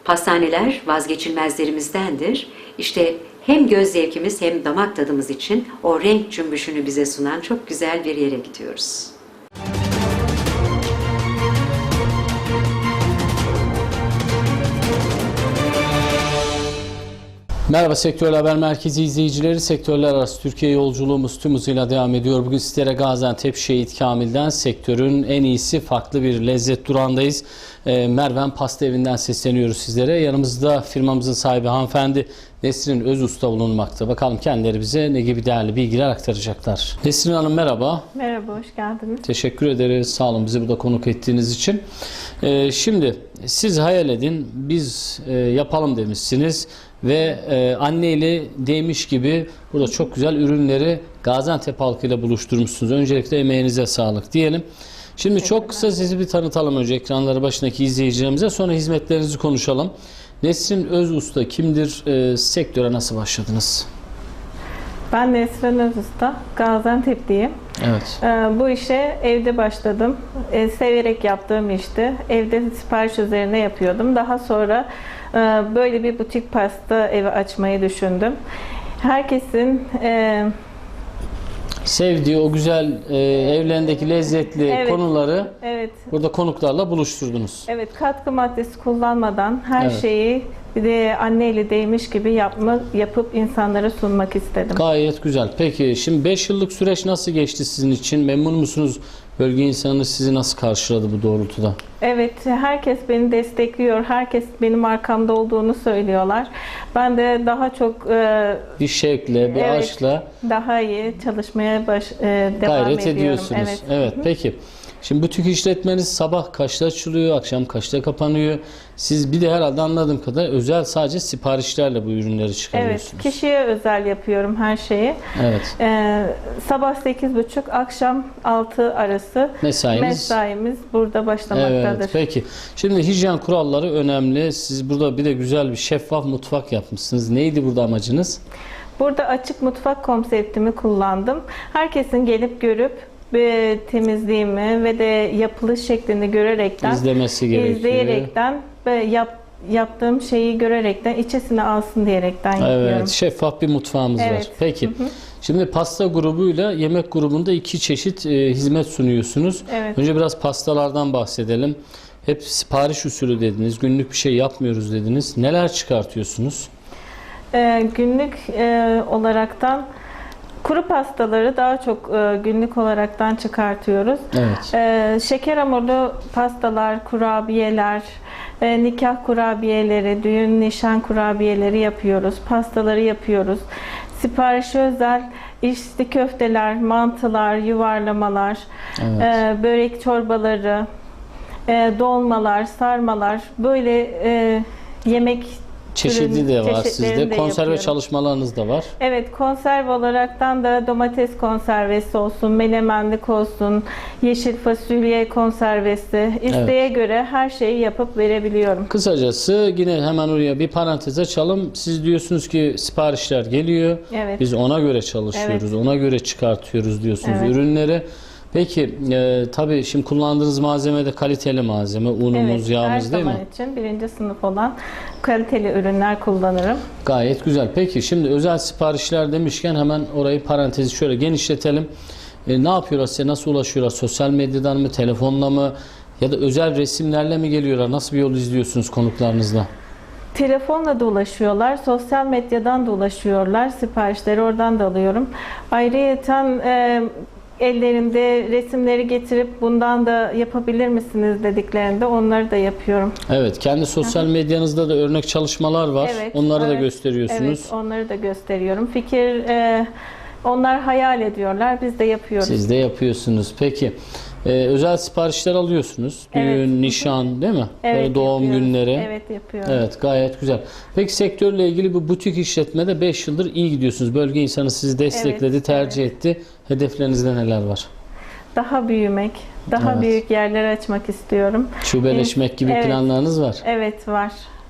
Pastaneler vazgeçilmezlerimizdendir. İşte hem göz zevkimiz hem damak tadımız için o renk cümbüşünü bize sunan çok güzel bir yere gidiyoruz. Merhaba Sektörler Haber Merkezi izleyicileri. Sektörler arası Türkiye yolculuğumuz tüm hızıyla devam ediyor. Bugün sizlere Gaziantep Şehit Kamil'den sektörün en iyisi farklı bir lezzet durağındayız. Merven Pasta Evi'nden sesleniyoruz sizlere. Yanımızda firmamızın sahibi hanımefendi Nesrin Özusta bulunmakta. Bakalım kendileri bize ne gibi değerli bilgiler aktaracaklar. Nesrin Hanım merhaba. Merhaba, hoş geldiniz. Teşekkür ederiz. Sağ olun bizi burada konuk ettiğiniz için. Şimdi siz hayal edin, biz yapalım demişsiniz. Ve anneyle değmiş gibi burada çok güzel ürünleri Gaziantep halkıyla buluşturmuşsunuz. Öncelikle emeğinize sağlık diyelim. Şimdi çok kısa sizi bir tanıtalım önce ekranları başındaki izleyicilerimize, sonra hizmetlerinizi konuşalım. Nesrin Özusta kimdir? Sektöre nasıl başladınız? Ben Nesrin Özusta, Gaziantep'liyim. Evet. Bu işe evde başladım. Severek yaptığım işti. Evde sipariş üzerine yapıyordum. Daha sonra böyle bir butik pasta evi açmayı düşündüm. Herkesin sevdiği o güzel evlerindeki lezzetli konuları burada konuklarla buluşturdunuz. Evet, katkı maddesi kullanmadan her Evet. şeyi bir de anneyle değmiş gibi yapıp insanlara sunmak istedim. Gayet güzel. Peki şimdi 5 yıllık süreç nasıl geçti sizin için? Memnun musunuz? Bölge insanı sizi nasıl karşıladı bu doğrultuda? Evet, herkes beni destekliyor. Herkes benim arkamda olduğunu söylüyorlar. Ben de daha çok Bir şevkle, bir aşkla daha iyi çalışmaya devam gayret ediyorum. ediyorsunuz. Evet. Peki. Şimdi butik işletmeniz sabah kaçta açılıyor, akşam kaçta kapanıyor? Siz bir de herhalde anladığım kadar özel sadece siparişlerle bu ürünleri çıkarıyorsunuz. Evet, kişiye özel yapıyorum her şeyi. Evet. Sabah 8.30, akşam 6 arası mesaimiz burada başlamaktadır. Evet, peki. Şimdi hijyen kuralları önemli. Siz burada bir de güzel bir şeffaf mutfak yapmışsınız. Neydi burada amacınız? Burada açık mutfak konseptimi kullandım. Herkesin gelip görüp temizliğimi ve de yapılış şeklini görerekten, izleyerekten ve yaptığım şeyi görerekten içesine alsın diyerekten yapıyorum. Evet, şeffaf bir mutfağımız var. Peki. Şimdi pasta grubuyla yemek grubunda iki çeşit hizmet sunuyorsunuz. Evet. Önce biraz pastalardan bahsedelim. Hep sipariş usulü dediniz. Günlük bir şey yapmıyoruz dediniz. Neler çıkartıyorsunuz? Günlük olaraktan kuru pastaları daha çok günlük olaraktan çıkartıyoruz. Evet. Şeker hamurlu pastalar, kurabiyeler, nikah kurabiyeleri, düğün nişan kurabiyeleri yapıyoruz. Pastaları yapıyoruz. Siparişe özel içli köfteler, mantılar, yuvarlamalar, börek çorbaları, dolmalar, sarmalar, böyle yemek çeşidi de var sizde. Konserve yapıyorum. Çalışmalarınız da var. Evet, konserve olaraktan da domates konservesi olsun, menemenlik olsun, yeşil fasulye konservesi, isteğe göre her şeyi yapıp verebiliyorum. Kısacası yine hemen oraya bir parantez açalım. Siz diyorsunuz ki siparişler geliyor. Evet. Biz ona göre çalışıyoruz. Ona göre çıkartıyoruz diyorsunuz ürünleri. Peki tabii şimdi kullandığınız malzeme de kaliteli malzeme. Unumuz, yağımız değil mi? Her zaman için birinci sınıf olan kaliteli ürünler kullanırım. Gayet güzel. Peki şimdi özel siparişler demişken hemen orayı parantezi şöyle genişletelim. Ne yapıyorlar size? Nasıl ulaşıyorlar? Sosyal medyadan mı? Telefonla mı? Ya da özel resimlerle mi geliyorlar? Nasıl bir yol izliyorsunuz konuklarınızla? Telefonla da ulaşıyorlar, sosyal medyadan da ulaşıyorlar. Siparişleri oradan da alıyorum. Ayrıyeten ellerinde resimleri getirip bundan da yapabilir misiniz dediklerinde onları da yapıyorum. Evet, kendi sosyal medyanızda da örnek çalışmalar var. Onları da gösteriyorsunuz. Evet, onları da gösteriyorum. Onlar hayal ediyorlar, biz de yapıyoruz. Siz de yapıyorsunuz. Peki, özel siparişler alıyorsunuz. Düğün, nişan değil mi? Evet, doğum günleri. Evet, yapıyorum. Evet, gayet güzel. Peki sektörle ilgili bu butik işletmede 5 yıldır iyi gidiyorsunuz. Bölge insanı sizi destekledi, tercih etti. Hedeflerinizde neler var? Daha büyümek, daha büyük yerler açmak istiyorum. Şubeleşmek gibi planlarınız var. Evet, var.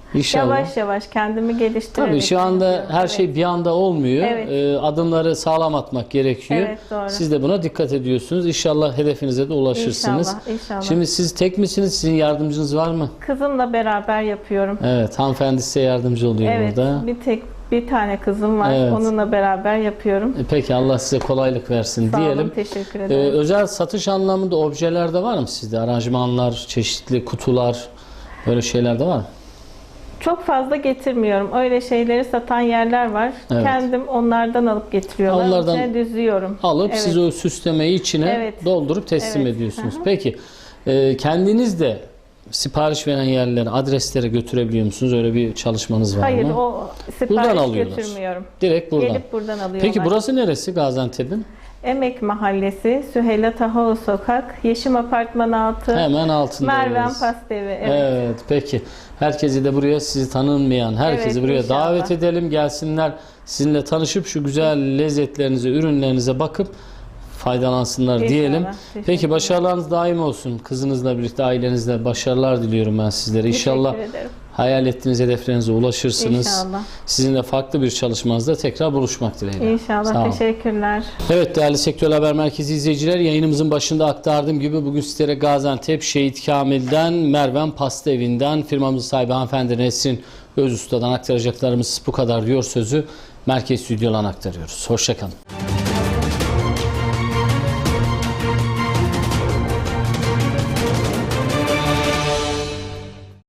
İnşallah. Yavaş yavaş kendimi geliştirerek. Tabii şu anda yapıyorum. her şey bir anda olmuyor. Evet. Adımları sağlam atmak gerekiyor. Evet, doğru. Siz de buna dikkat ediyorsunuz. İnşallah hedefinize de ulaşırsınız. İnşallah, inşallah. Şimdi siz tek misiniz? Sizin yardımcınız var mı? Kızımla beraber yapıyorum. Evet, hanımefendi size yardımcı oluyor Evet, burada. bir tane kızım var. Evet. Onunla beraber yapıyorum. Peki Allah size kolaylık versin Sağ diyelim. olun, teşekkür ederim. Özel satış anlamında objeler de var mı sizde? Aranjmanlar, çeşitli kutular, böyle şeyler de var mı? Çok fazla getirmiyorum. Öyle şeyleri satan yerler var. Evet. Kendim onlardan alıp getiriyorlar. Onlardan İçine düzüyorum. Alıp Evet. siz o süslemeyi içine Evet. doldurup teslim Evet. ediyorsunuz. Hı hı. Peki kendiniz de sipariş veren yerlere, adreslere götürebiliyor musunuz? Öyle bir çalışmanız var Hayır, mı? o Buradan sipariş alıyorlar. götürmüyorum. Direkt buradan. Gelip buradan alıyorlar. Peki burası neresi Gaziantep'in? Emek Mahallesi, Süheyla Tahoğlu Sokak, Yeşim Apartman 6, Hemen altındayız. Merven Pastevi. Evet. Evet, peki. Herkesi de buraya, sizi tanınmayan herkesi Evet, buraya inşallah. davet edelim. Gelsinler, sizinle tanışıp şu güzel lezzetlerinize, ürünlerinize bakıp faydalansınlar İnşallah. diyelim. Teşekkürler. Peki başarılarınız daim olsun. Kızınızla birlikte, ailenizle başarılar diliyorum ben sizlere. İnşallah Teşekkür ederim. hayal ettiğiniz hedeflerinize ulaşırsınız. İnşallah. Sizinle farklı bir çalışmanızda tekrar buluşmak dileğiyle. İnşallah. Sağ olun. Teşekkürler. Evet değerli Sektör Haber Merkezi izleyiciler, yayınımızın başında aktardığım gibi bugün sizlere Gaziantep Şehit Kamil'den, Merven Pasta Evi'nden, firmamızın sahibi hanımefendi Nesrin Özusta'dan aktaracaklarımız bu kadar diyor sözü Merkez Stüdyo'dan aktarıyoruz. Hoşça kalın.